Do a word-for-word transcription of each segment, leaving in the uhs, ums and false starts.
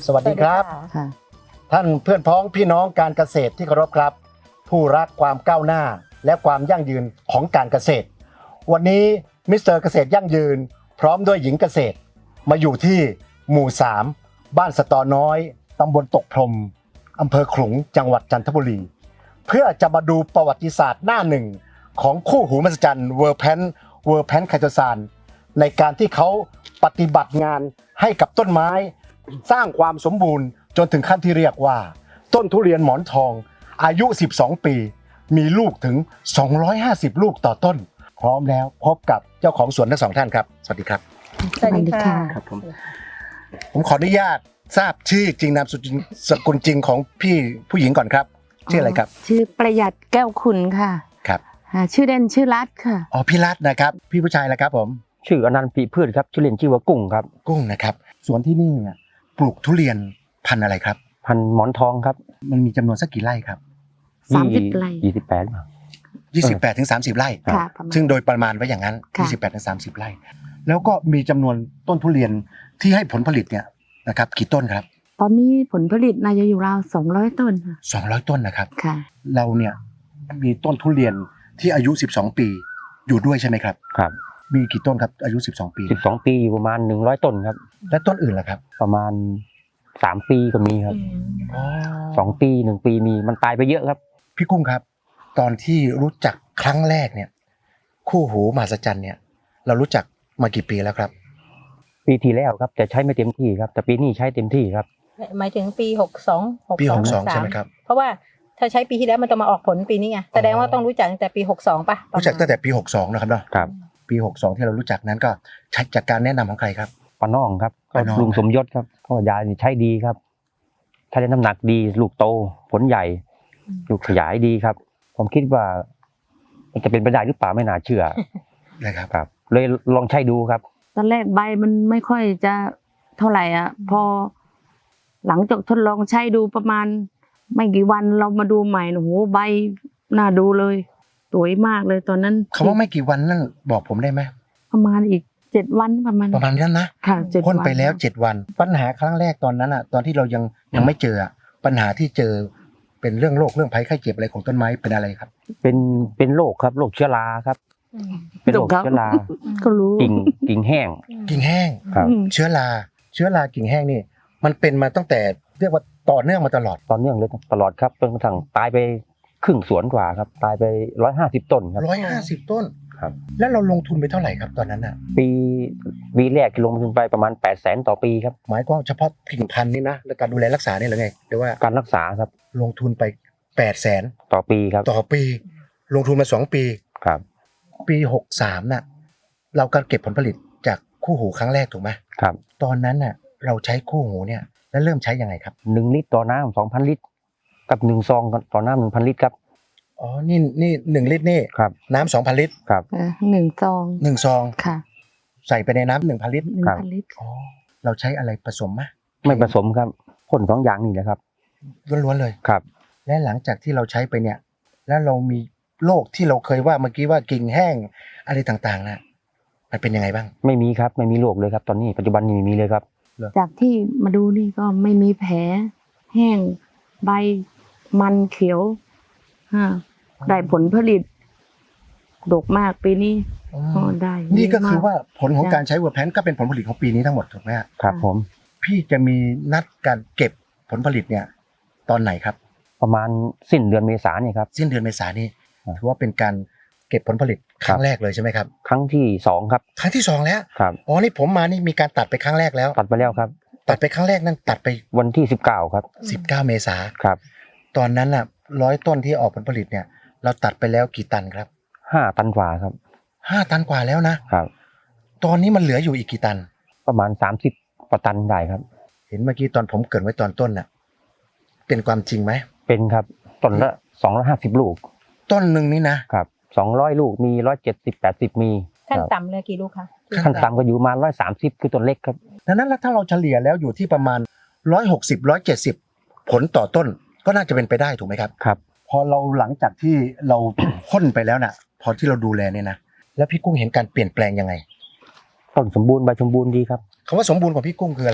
สวัสดีครับท่านเพื่อนพ้องพี่น้องการเกษตรที่เคารพครับผู้รักความก้าวหน้าและความยั่งยืนของการเกษตรวันนี้มิสเตอร์เกษตรยั่งยืนพร้อมด้วยหญิงเกษตรมาอยู่ที่หมู่สามบ้านสะตอน้อยตำบลตกพรมอำเภอขลุงจังหวัดจันทบุรีเพื่อจะมาดูประวัติศาสตร์หน้าหนึ่งของคู่หูมหัศจรรย์เวอร์แพนเวอร์แพนไคโตซานในการที่เขาปฏิบัติงานให้กับต้นไม้สร้างความสมบูรณ์จนถึงขั้นที่เรียกว่าต้นทุเรียนหมอนทองอายุสิบสองปีมีลูกถึงสองร้อยห้าสิบลูกต่อต้นพร้อมแล้วพบกับเจ้าของสวนทั้งสองท่านครับสวัสดีครับสวัสดีค่ะครับผมผมขออนุญาตทราบชื่อจริงนามสกุลจริงของพี่ผู้หญิงก่อนครับชื่ออะไรครับชื่อประหยัดแก้วคุณค่ะครับชื่อเด่นชื่อรัตค่ะอ๋อพี่รัตนะครับพี่ผู้ชายแล้วครับผมชื่ออนันต์ปีพืชครับชื่อเล่นชื่อว่ากุ้งครับกุ้งนะครับสวนที่นี่เนี่ยปลูกทุเรียนพันธุ์อะไรครับพันธุ์หมอนทองครับมันมีจำนวนสักกี่ไร่ครับสามสิบไร่ยี่สิบแปดยี่สิบแปดถึงสามสิบไร่ซึ่งโดยประมาณไว้อย่างนั้นยี่สิบแปดถึงสามสิบไร่แล้วก็มีจำนวนต้นทุเรียนที่ให้ผลผลิตเนี่ยนะครับกี่ต้นครับตอนนี้ผลผลิตน่าจะอยู่ราวสองร้อยต้นค่ะสองร้อยต้นนะครับค่ะเราเนี่ยมีต้นทุเรียนที่อายุสิบสองปีอยู่ด้วยใช่ไหมครับครับมีกี่ต้นครับอายุสิบสองปีสิบสองปีอยู่ประมาณหนึ่งร้อยต้นครับและต้นอื่นล่ะครับประมาณสามปีก็มีครับสองปีหนึ่งปีมีมันตายไปเยอะครับพี่กุ้งครับตอนที่รู้จักครั้งแรกเนี่ยคู่หูมหัศจรรย์เนี่ยเรารู้จักมากี่ปีแล้วครับปีที่แล้วครับแต่ใช้ไม่เต็มที่ครับแต่ปีนี้ใช้เต็มที่ครับหมายถึงปีหกสองหกสองปีหกสองใช่ไหมครับเพราะว่าถ้าใช้ปีที่แล้วมันจะมาออกผลปีนี้ไงแสดงว่าต้องรู้จักตั้งแต่ปีหกสองป่ะรู้จักตั้งแต่ปีหกสองนะครับเนาะครับปีหกสองที่เรารู้จักนั้นก็ใช้จากการแนะนำของใครครับป้าน้องครับก็ลุงสมยศครับก็ยาใช้ดีครับถ้าได้น้ำหนักดีลูกโตผลใหญ่ลูกขยายดีครับผมคิดว่ามันจะเป็นไปได้หรือเปล่าไม่น่าเชื่อนะครับครับเลยลองใช้ดูครับตอนแรกใบมันไม่ค่อยจะเท่าไหร่อ่ะพอหลังจากทดลองใช้ดูประมาณไม่กี่วันเรามาดูใหม่โอ้โหใบน่าดูเลยสวยมากเลยตอนนั้นคำว่าไม่กี่วันนั่นบอกผมได้ไหมประมาณอีกเจ็ดวันประมาณประมาณนั้นนะค่ะเจ็ดวันพ่นไปแล้วเจ็ดวันปัญหาครั้งแรกตอนนั้นอ่ะตอนที่เรายังยังไม่เจอปัญหาที่เจอเป็นเรื่องโรคเรื่องภัยไข้เจ็บอะไรของต้นไม้เป็นอะไรครับเป็นเป็นโรคครับโรคเชื้อราครับเป็นโรคเชื้อราก็รู้กิ่งกิ่งแห้งกิ่งแห้งครับเชื้อราเชื้อรากิ่งแห้งนี่มันเป็นมาตั้งแต่เรียกว่าต่อเนื่องมาตลอดต่อเนื่องเลยตลอดครับจนกระทั่งตายไปครึ่งสวนกว่าครับตายไปร้อยห้าสิบต้นครับร้อยห้าสิบต้นครับแล้วเราลงทุนไปเท่าไหร่ครับตอนนั้นอ่ะปีปีแรกลงทุนไปประมาณแปดแสนต่อปีครับหมายความเฉพาะกิ่งพันธุ์นี่นะและการดูแลรักษานี่หรือไงหรือว่าการรักษาครับลงทุนไปแปดแสนต่อปีครับต่อปีลงทุนมาสองปีครับปีหกสามน่ะเราการเก็บผลผลิตจากคู่หูครั้งแรกถูกไหมครับตอนนั้นน่ะเราใช้คู่หูเนี่ยแล้วเริ่มใช้ยังไงครับหนึ่งลิตรต่อน้ำสองพันลิตรกับหนึ่งซองต่อน้ำหนึ่งพันลิตรครับอ๋อนี่นี่หนึ่งลิตรนี่ครับน้ำสองพันลิตรครับหนึ่งซองหนึ่งซองค่ะใส่ไปในน้ำหนึ่งพันลิตรหนึ่งพันลิตรอ๋อเราใช้อะไรผสมไหมไม่ผสมครับพ่นสองอย่างนี่แหละครับล้วนๆเลยครับและหลังจากที่เราใช้ไปเนี่ยแล้วเรามีโรคที่เราเคยว่าเมื่อกี้ว่ากิ่งแห้งอะไรต่างๆนะมันเป็นยังไงบ้างไม่มีครับไม่มีโรคเลยครับตอนนี้ปัจจุบันนี้ไม่มีเลยครับจากที่มาดูนี่ก็ไม่มีแผลแห้งใบมันเขียวได้ผลผลิตดกมากปีนี้ได้นี่ก็คือว่าผลของการใช้เวอร์แพนก็เป็นผลผลิตของปีนี้ทั้งหมดถูกไหมครับผมพี่จะมีนัดการเก็บผลผลิตเนี่ยตอนไหนครับประมาณสิ้นเดือนเมษายนนี่ครับสิ้นเดือนเมษายนนี่ถือว่าเป็นการเก็บผลผลิตครั้งแรกเลยใช่ไหมครับครั้งที่สองครับครั้งที่สองแล้วครับอ๋อนี่ผมมานี่มีการตัดไปครั้งแรกแล้วตัดไปแล้วครับตัดไปครั้งแรกนั่นตัดไปวันที่สิบเก้าครับสิบเก้าเมษายนครับตอนนั้นน่ะร้อยต้นที่ออกผลผลิตเนี่ยเราตัดไปแล้วกี่ตันครับห้าตันกว่าครับห้าตันกว่าแล้วนะครับตอนนี้มันเหลืออยู่อีกกี่ตันประมาณสามสิบกว่าตันได้ครับเห็นเมื่อกี้ตอนผมเกริ่นไว้ตอนต้นน่ะเป็นความจริงไหมเป็นครับต้นละสองร้อยห้าสิบลูกต้นหนึ่งนี่นะครับสองร้อยลูกมีร้อยเจ็ดสิบแปดสิบมีขั้นต่ำเลยกี่ลูกคะขั้นต่ำก็อยู่ประมาณร้อยสามสิบคือต้นเล็กครับดังนั้นแล้วถ้าเราเฉลี่ยแล้วอยู่ที่ประมาณร้อยหกสิบร้อยเจ็ดสิบผลต่อต้นก็น่าจะเป็นไปได้ถูกไหมครับครับพอเราหลังจากที่เรา พ่นไปแล้วน่ะพอที่เราดูแลเนี่ยนะแล้วพี่กุ้งเห็นการเปลี่ยนแปลงยังไงต้นสมบูรณ์ใบสมบูรณ์ดีครับคำว่าสมบูรณ์ของพี่กุ้งคืออะไรฮะ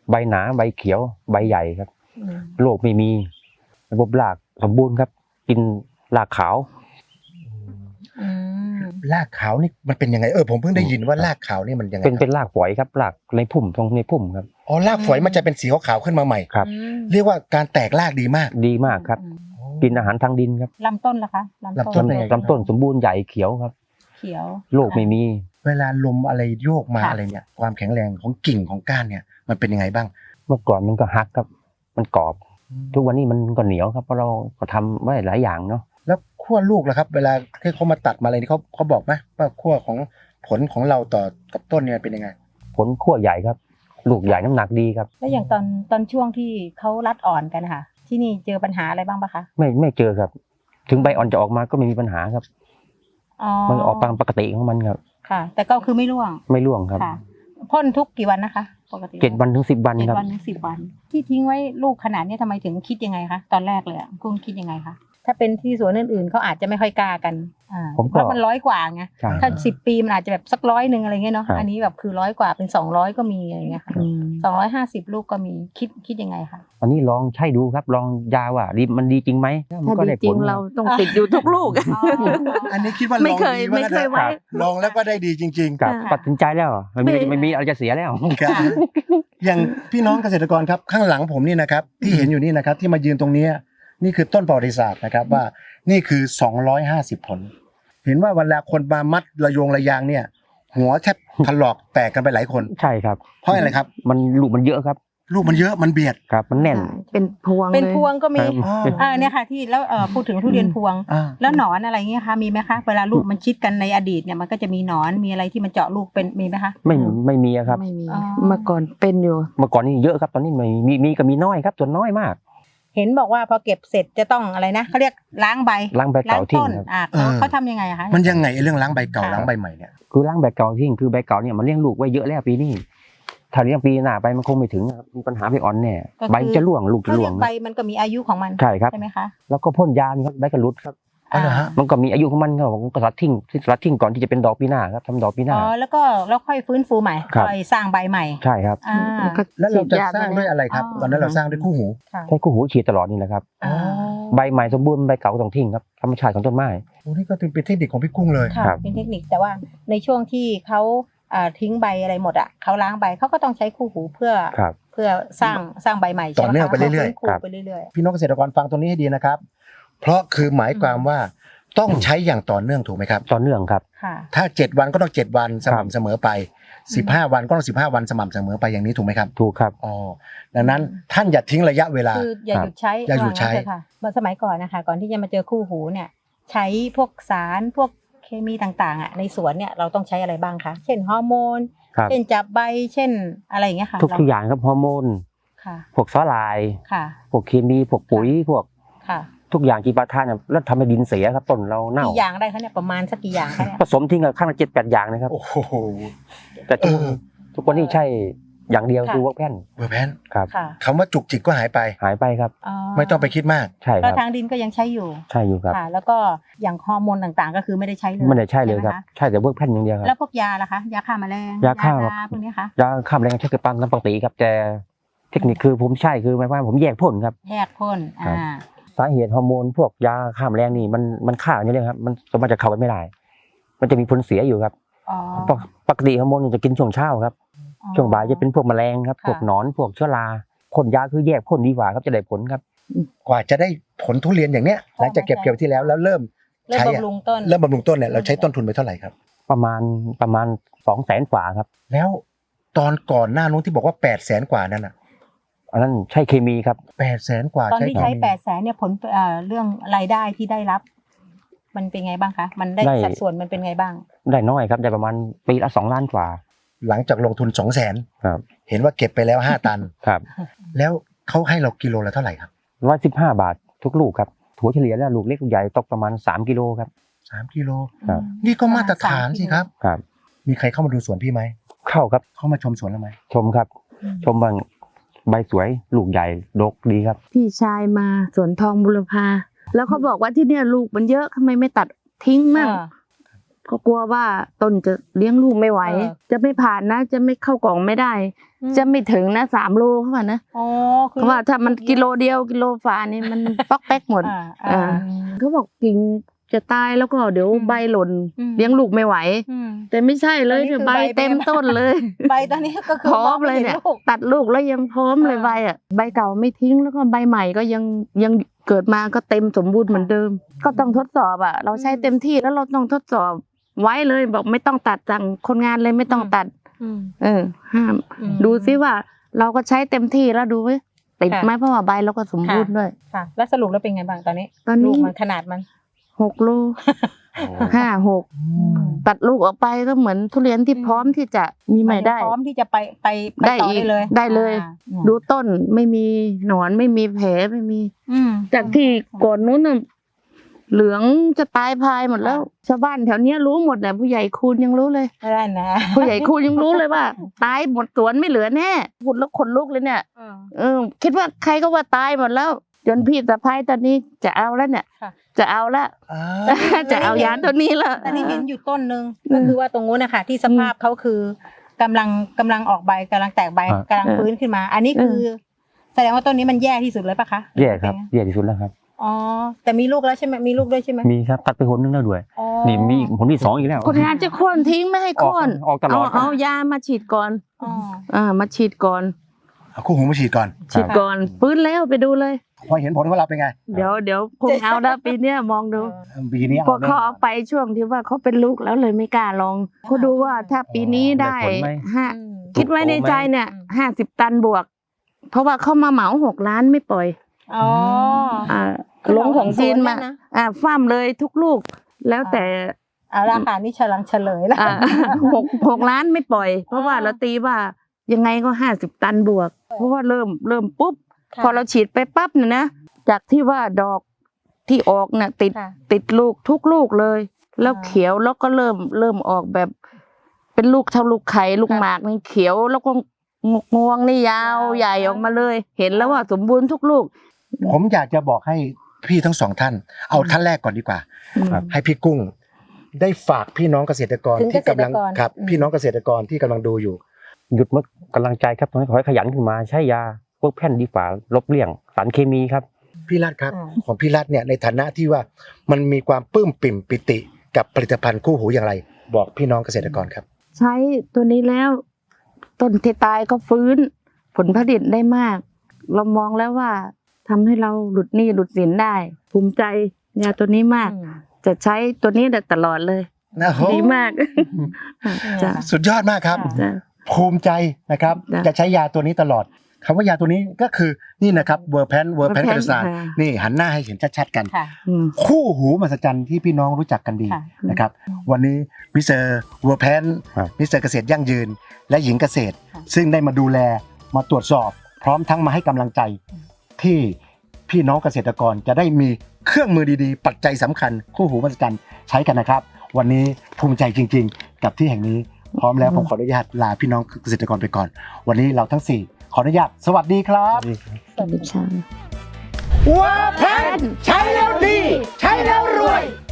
ใบหนาใบเขียวใบใหญ่ครับอืมโรคไม่มีระบบรากสมบูรณ์ครับ กินรากขาวอืมรากขาวนี่มันเป็นยังไงเออผมเพิ่งได้ยินว่ารากขาวนี่มันยังไงเป็นคเป็รับนรากฝอยครับรากในพุ่มตรงในพุ่มครับอ๋อรากฝอยมันจะเป็นสีขาวๆขึ้นมาใหม่ครับอืมเรียกว่าการแตกรากดีมากดีมากครับอืมกินอาหารทางดินครับลำต้นล่ะคะลำต้นเป็นไงลำต้นสมบูรณ์ใหญ่เขียวครับเขียวโรคไม่มีเวลาลมอะไรโยกมาค่ะอะไรเนี่ยความแข็งแรงของกิ่งของก้านเนี่ยมันเป็นยังไงบ้างเมื่อก่อนมันก็หักครับ มันกรอบ ทุกวันนี้มันก็เหนียวครับเพราะเราก็ทำไว้หลายอย่างเนาะแล้วขั้วลูกล่ะครับ เวลาที่เขามาตัดมาอะไรนี่เขาเขาบอกไหมว่าขั้วของผลของเราต่อกับต้นเนี่ยเป็นยังไงผลขั้วใหญ่ครับ ลูกใหญ่น้ำหนักดีครับแล้วอย่างตอนตอนช่วงที่เขารัดอ่อนกันนะคะที่นี่เจอปัญหาอะไรบ้างปะคะไม่ไม่เจอครับ ถึงใบอ่อนจะออกมาก็ไม่มีปัญหาครับอ๋อมันออกตามปกติของมันครับค่ะ แต่ก็คือไม่ร่วงไม่ร่วงครับค่ะพ่นทุกกี่วันนะคะปกติเจ็ดวันถึงสิบวันเจ็ดครับวันถึงสิบวัน ที่ทิ้งไว้ลูกขนาดนี้ทำไมถึงคิดยังไงคะตอนแรกเลยอะกุ้งคิดยังไงคะถ้าเป็นที่สวนอื่นๆเขาอาจจะไม่ค่อยกล้ากันอ่าผมก็เพราะมันร้อยกว่าไงใช่ถ้าสิบปีมันอาจจะแบบสักร้อยหนึ่งอะไรเงี้ยเนาะครับอันนี้แบบคือร้อยกว่าเป็นสองร้อยก็มีอะไรเงี้ยค่ะอืมสองร้อยห้าสิบลูกก็มีคิดคิดยังไงคะอันนี้ลองใช้ดูครับ ลองยาว่าดีมันดีจริงไหมมัถ้านก็ดีได้จริผงลเราต้องติดอยู่ทุกลูกอันนี้คิดว่าลไม่องเคยดีไม่เคยไว้ลองแล้วก็ได้ดีจริงกับค่ะตัดสินใจแล้วไม่มีไม่ไม่มีอะไรจะเสียแล้วๆครับอย่างพี่น้องเกษตรกรครับข้างหลังผมนี่นะครับที่เห็นอยู่นี่นะครับที่มายืนตรงเนี้ยนี่คือต้นประวัติศาสตร์นะครับว่านี่คือสองร้อยห้าสิบผล เห็นว่าเวลาคนมามัดระโยงระยางเนี่ย หัวแทบถลอกแตกกันไปหลายคนใช่ครับเพราะอะไรครับมันลูกมันเยอะครับลูกมันเยอะมันเบียดครับ มันแน่นเป็นพวงเป็นลยพวงก็มีครับอ่าเนี่ยค่ะที่แล้วเอ่อพูดถึงทุเรียนพวงอ่าแล้วหนอนอะไรเงี้ยคะมีไหมคะเวลาลูกมันชิดกันในอดีตเนี่ยมันก็จะมีหนอนมีอะไรที่มันเจาะลูกเป็นมีไหมคะไม่ไม่มีอะครับไม่มีอ๋อเมื่อก่อนเป็นอยู่เมื่อก่อนนี่เยอะครับ ตอนนี้ไม่มีมีก็มีน้อยครับส่วนน้อยมากเห็นบอกว่าพอเก็บเสร็จจะต้องอะไรนะเขาเรียกล้างใบล้างใบเก่าทิ้งต้นครับอ่าเขาเขาทำยังไงอะคะมันยังไงไอ้เรื่องล้างใบเก่าค่ะล้างใบใหม่เนี่ยคือล้างใบเก่าทิ้งคือใบเก่าเนี่ยมันเลี้ยงลูกไว้เยอะแล้วปีนี้ถ้าเลี้ยงปีหน้าไปมันคงไม่ถึงครับมีปัญหาใบอ่อนแน่ใบจะร่วงลูกจะเขาร่เรีวย งกใบมันก็มีอายุของมันใช่ครับใช่ไหมคะแล้วก็พ่นยาครับใบกระลุดครับอ๋อเหรอฮะมันก็มีอายุของมันครับผมก็ตัดทิ้งที่ตัดทิ้งก่อนที่จะเป็นดอกปีหน้าครับทำดอกปีหน้าอ๋อแล้วก็แล้วค่อยฟื้นฟูใหม่ครับค่อยสร้างใบใหม่ใช่ครับอ่าก็แล้วเราจะฉีดยสร้างด้วยอะไรครับอ๋อตอนนั้นเราสร้างด้วยคู่หูค่ะใช้คู่หูฉีดตลอดนี่แหละครับอ๋อใบใหม่สมบูรณ์ใบเก่าก็ต้องทิ้งครับธรรมชาติของต้นไม้โอ้นี่ก็ถือเป็นเทคนิคของพี่กุ้งเลยค่ะครับเป็นเทคนิคแต่ว่าในช่วงที่เขาอ่าทิ้งใบอะไรหมดอ่ะเขาล้างใบเขาก็ต้องใช้คู่หูเพื่อครับเพื่อสร้างสร้างใบใหม่ต่อเนื่องไปเรื่อยๆๆครับไปเรื่อยพี่น้องเกษตรกรฟังตรงนี้ให้ดีนะครับ เพราะคือหมายความว่าต้องใช้อย่างต่อเนื่องถูกไหมครับต่อเนื่องครับๆค่ะถ้าเจ็ดวันก็ต้องเจ็ดวันสครับม่ำเสมอไปสิบห้าวันก็ต้องสิบห้าวันสม่ำเสมอไปอย่างนี้ถูกไหมครับถูกครับอ๋อดังนั้นท่านอย่าทิ้งระยะเวลาคืออย่าครับหยุดใช้อย่าหยุดใช้ว่งั้นเถอะค่ะเมื่อสมัยก่อนนะคะ ก่อนที่จะมาเจอคู่หูเนี่ย ใช้พวกสารพวกเคมีต่างๆอ่ะในสวนเนี่ยเราต้องใช้อะไรบ้างคะเช่นฮอร์โมนครับเช่นจับใบเช่นอะไรอย่างเงี้ยค่ะทุกทุกอย่างครับฮอร์โมนค่ะพวกสาลายค่ะพวกเคมีพวกปุ๋ยพวกค่ะทุกอย่างกีปาทานเนี่ยแล้วทำให้ดินเสียครับต้นเราเน่ากี่อย่างได้คะเนี่ยประมาณสักกี่อย่างคะเนี่ยผสมทิ้งกันข้างละเจ็ดแปดอย่างนะครับโอ้โหแต่ทุกเออทุกคนนี่ใช่อย่างเดียวค่ะคือเวิร์กแพนเบอร์แพนครับค่ะคำว่าจุกจิกก็หายไปหายไปครับไม่ต้องไปคิดมากใช่คก็รับทางดินก็ยังใช้อยู่ใช่อยู่ครับค่ะ แล้วก็อย่างฮอร์โมนต่างๆ ก็คือไม่ได้ใช้เลยไม่ได้ใช่เลยครับไหมะใช่แต่เวิร์กแพนอย่างเดียวครับแล้วพวกยาล่ะคะยาฆ่าแมลงยาฆ่าพวกนี้คะยาฆ่าแมลงใช้กับตามปกติครับแต่เทคนิคคือผมใช่คือหมายความว่าผมแยกพ่นครับแยกพ่นครัอ่าบ สาเหตุฮอร์โมนพวกยาฆ่าแมลงนี่มันมันฆ่าอย่างนี้เลยครับมันสามารถจะเข้ากันไม่ได้ มันจะมีผลเสียอยู่ครับอ๋อปกปกติฮอร์โมนจะกินช่วงเช้าครับอ๋อช่วงบ่ายจะเป็นพวกแมลงครับค่ะพวกหนอนพวกเชื้อราพ่นยาคือแยกพ่นดีกว่าครับจะได้ผลครับกว่าจะได้ผลทุเรียนอย่างเนี้ยหลังจากเก็บเกี่ยวที่แล้วแล้วเริ่มเริ่มใช้อะบำรุงต้นเริ่มบำรุงต้นเนี่ยเราใช้ต้นทุนไปเท่าไหร่ครับประมาณประมาณสองแสนกว่าครับแล้วตอนก่อนหน้านู้นที่บอกว่าแปดแสนกว่านั่นอ่ะอันนั้นใช่เคมีครับแปดแสนกว่าตอนที่ใช้เคมีแปดแสนเนี่ยผลเอ่อเรื่องรายได้ที่ได้รับ มันเป็นไงบ้างคะ มันได้ได้สัดส่วนมันเป็นไงบ้างได้น้อยครับได้ประมาณปีละสองล้านกว่าหลังจากลงทุนสองแสนครับเห็นว่าเก็บไปแล้วห้าตันครับแล้วเขาให้เรากิโลละเท่าไหร่ครับร้อยสิบห้าบาททุกลูกครับถั่วเฉลี่ยแล้วลูกเล็กลูกใหญ่ตกประมาณสามกิโลครับสามกิโลครับนี่ก็มาตรฐานสิครับครับมีใครเข้ามาดูสวนพี่ไหมเข้าครับเข้ามาชมสวนเราไหมชมครับอืมชมบางใบสวยลูกใหญ่ดกดีครับพี่ชายมาสวนทองบุรพาแล้วเขาบอกว่าที่เนี่ยลูกมันเยอะทำไมไม่ตัดทิ้งมั่งอ่าเขากลัวว่าต้นจะเลี้ยงลูกไม่ไหวเออจะไม่ผ่านนะ จะไม่เข้ากล่องไม่ได้มจะไม่ถึงนะสามโลเขาว่านะอ๋อคือเพราะว่าถ้ามันกิโลเดียวกิโลฝานี่มัน ป๊อกแป๊กหมดอ่าอ่าอ่าเขาบอกกิ่งจะตายแล้วก็เดี๋ยวอืมใบหล่นอืมเลี้ยงลูกไม่ไหวอืมแต่ไม่ใช่เลยตอนนี้คือใบใบเต็มเต็มต้นเลยใบตอนนี้ก็คือพร้อมงไเลยเนี่ยห็ลูกตัดลูกแล้วยังพร้อมเลยอ่าใบอ่ะใบเก่าไม่ทิ้งแล้วก็ใบใหม่ก็ยังยังเกิดมาก็เต็มสมบูรณ์เหมือนเดิม ก็ต้องทดสอบอ่ะ เราใช้เต็มที่แล้วเราต้องทดสอบไว้เลยบอกไม่ต้องตัดสั่งคนงานเลยไม่ต้องตัดอืมเออ ห้ามอืมดูซิว่าเราก็ใช้เต็มที่แล้วดูไว้ติดค่ะไหมเพราะว่าใบเราก็สมบูรณ์ด้วยค่ะ แล้วสรุปแล้วเป็นไงบ้างตอนนี้ตอนลูนี้กมันขนาดมันหกโลห้าหกตัดลูกออกไปก็เหมือนทุเรียนที่อืมพร้อมที่จะมีใหม่ได้พร้อมที่จะไปไปไปได้ต่ออีกได้เลยได้เลยอ่าดูต้นไม่มีหนอนไม่มีแผลไม่มีอืมจากที่ก่อนนู้นน่ะเหลืองจะตายพายหมดแล้ว ชาวบ้านแถวเนี้ยรู้หมดแหละผู้ใหญ่คูณยังรู้เลยไม่ได้นะผู้ใหญ่คูณยังรู้เลยว่า ตายหมดสวนไม่เหลือแน่พูดแล้วขนลุกเลยเนี่ยอืมเออคิดว่าใครก็ว่าตายหมดแล้ว จนพี่สะพ้ายตอนนี้จะเอาแล้วเนี่ยค่ะจะเอาละอ่าจะเอายาตัวนี้ละแต่นี่เห็นอยู่ต้นหนึ่งอืมก็คือว่าตรงนู้นนะคะที่สภาพเขาคือกำลังกำลังออกใบกำลังแตกใบอ่ากำลังฟื้นขึ้นมา อันนี้คือ แสดงว่าต้นนี้มันแย่ที่สุดเลยปะคะแย่ครับแย่ที่สุดแล้วครับอ๋อแต่มีลูกแล้วใช่ไหมมีลูกด้วยใช่ไหมมีครับตัดไปหนนึงแล้วด้วยอ๋อนี่มีผลที่สองอีกแล้วคนงานจะโค่นทิ้งไม่ให้โค่นออกออกตลอดเอาเอายามาฉีดก่อนอ๋ออ่ามาฉีดก่อนเอาคู่หูมาฉีดก่อนฉีดก่อนฟื้นแล้วไปดูเลยพอเห็นผลของเราเป็นไงเดี๋ยวเดี๋ยวคงเอาแล้วปีเนี้ยมองดูปีนี้พวกเขาเอาไปช่วงที่ว่าเขาเป็นลูกแล้วเลยไม่กล้าลองเขาดูว่าถ้าปีนี้ได้ได้ผลไหมห้าอืมคิดไว้ในใจเนี่ยอืมห้าสิบตันบวก เพราะว่าเขามาเหมาหกล้านไม่ปล่อยอ๋ออ่าลงของจีนมาสวนเนี่ยนะอ่าฟ้ามเลยทุกลูก แล้วแต่เอาละค่ะนี่เฉลังเฉลยแล้วอ่า หกหกล้านไม่ปล่อย เพราะว่าเราตีว่ายังไงก็ห้าสิบตันบวก เพราะว่าเริ่มเริ่มปุ๊บค่ะพอเราฉีดไปปั๊บเนี่ยนะจากที่ว่าดอกที่ออกน่ะติดค่ะติดลูกทุกลูกเลย แล้วอ่าเขียวแล้วก็เริ่มเริ่มออกแบบ เป็นลูกเท่าลูกไข่ลูกค่ะหมากนี่เขียวแล้วก็งกงวงนี่ยาวยาวใหญ่ออกมาเลย เห็นแล้วว่าสมบูรณ์ทุกลูกผมอยากจะบอกให้พี่ทั้งสองท่าน เอาท่านแรกก่อนดีกว่าครับให้พี่กุ้ง ได้ฝากพี่น้องเกษตรกรถึงที่กำลังเกษตรกรครับอืมพี่น้องเกษตรกรที่กำลังดูอยู่หยุดเมื่อกำลังใจครับตอนนี้ขอให้ขยันขึ้นมาใช้ยาพวกแผ่นดีฝ่าลบเลี่ยงสารเคมีครับพี่รัฐครับอ่าของพี่รัฐเนี่ยในฐานะที่ว่ามันมีความปลื้มปิ่มปิติกับผลิตภัณฑ์คู่หูอย่างไร บอกพี่น้องเกษตรกรครับใช้ตัวนี้แล้ว ต้นที่ตายก็ฟื้น ผลผลิตได้มาก เรามองแล้วว่าทำให้เราหลุดหนี้หลุดสินได้ ภูมิใจยาตัวนี้มากอืมจะใช้ตัวนี้ได้ตลอดเลยนะโหดีมากจ้ะสุดยอดมากครับค่ะจ้ะภูมิใจนะครับจ้ะจะใช้ยาตัวนี้ตลอดคำว่ายาตัวนี้ก็คือนี่นะครับเวอร์แพนเวอร์แพน Verpan กระสานค่ะนี่หันหน้าให้เห็นชัดๆกันค่ะอืมคู่หูมหัศจรรย์ที่พี่น้องรู้จักกันดีค่ะนะครับ วันนี้มิสเตอร์เวอร์แพนครับมิสเตอร์เกษตรยั่งยืน และหญิงเกษตรค่ะซึ่งได้มาดูแลมาตรวจสอบ พร้อมทั้งมาให้กำลังใจ ที่พี่น้องเกษตรกรจะได้มีเครื่องมือดีๆ ปัจจัยสำคัญ คู่หูมหัศจรรย์ใช้กันนะครับ วันนี้ภูมิใจจริง ๆ กับที่แห่งนี้ พร้อมแล้วผมขออนุญาตลาพี่น้องเกษตรกรไปก่อน วันนี้เราทั้งสี่ขออนุญาตสวัสดีครับสวัสดีค่ะว่าแพนใช้แล้วดี ใช้แล้วรวย